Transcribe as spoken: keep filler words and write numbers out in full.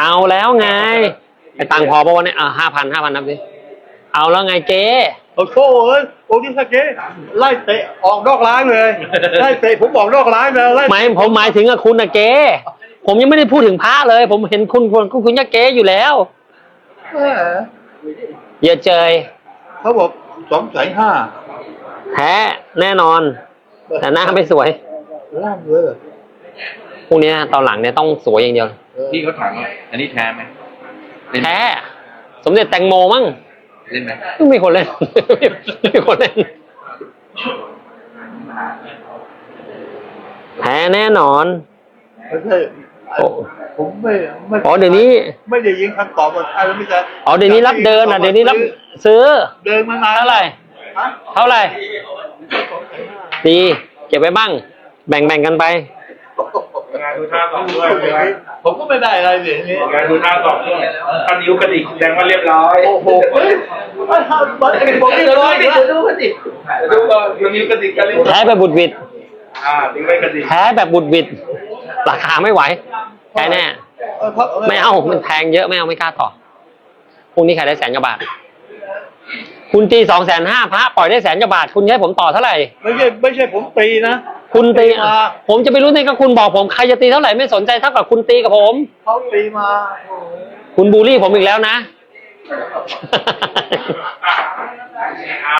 เอาแล้วไงไอ้ตังค์พอปะวันนี้อ่ะห้าพันห้าพันนับสิเอาแล้วไงเจ๊โอ้โหเอ้ยโอ้ที่สเกไล่เตะออกนอกร้านเลยไล่เตะผมออกนอกร้านเลยไล่หมายผมหมายถึงอะคุณอะเจ๊ผมยังไม่ได้พูดถึงพระเลย ผมเห็นคุณคุณคุณคุณยะเก๊อยู่แล้วอย่าเจยเขาบอกสองแสนห้าแท้แน่นอนแต่หน้าไม่สวยล่างเลยพวกนี้ตอนหลังเนี่ยต้องสวยอย่างเดียวพี่เขาถามว่าอันนี้แท้ไหมแท้สมเด็จแตงโมมั้งเล่นไหมไม่มีคนเล่นไม่มีคนเล่นแท้แน่นอนไม่ใช่ผมไม่ไม่อ๋อเดี๋ยวนี้ไม่ได้ยิงคำตอบว่าอะไรไม่ใช่อ๋อเดี๋ยวนี้รับเดินอ่ะเดี๋ยวนี้รับซื้อเดินมานานเท่าไหร่เท่าไหร่ดีเก็บไว้บ้างแบ่งแบ่งกันไปงานดูท่าสองด้วยผมก็ไม่ได้อะไรเลยนี่งานดูท่าสองด้วยตอนนิ้วกระดิกแสดงว่าเรียบร้อยโอ้โหเฮ้ยไม่ทำมันบอกเรียบร้อยดิดูกระดิกดูก่อนนิ้วกระดิกกันเรียบร้อยแท้แบบบุดวิดอ่านิ้วไม่กระดิกแท้แบบบุดวิดราคาไม่ไหวแท้แน่ไม่เอามันแพงเยอะไม่เอาไม่กล้าต่อพรุ่งนี้ขายได้แสนกว่าบาทคุณตีสองแสนห้าพระปล่อยได้แสนกว่าบาทคุณให้ผมต่อเท่าไหร่ไม่ใช่ไม่ใช่ผมตีนะคุณตีผมจะไปรู้ในก็คุณบอกผมใครจะตีเท่าไหร่ไม่สนใจเท่ากับคุณตีกับผมเขาตีมาคุณบูลลี่ผมอีกแล้วนะ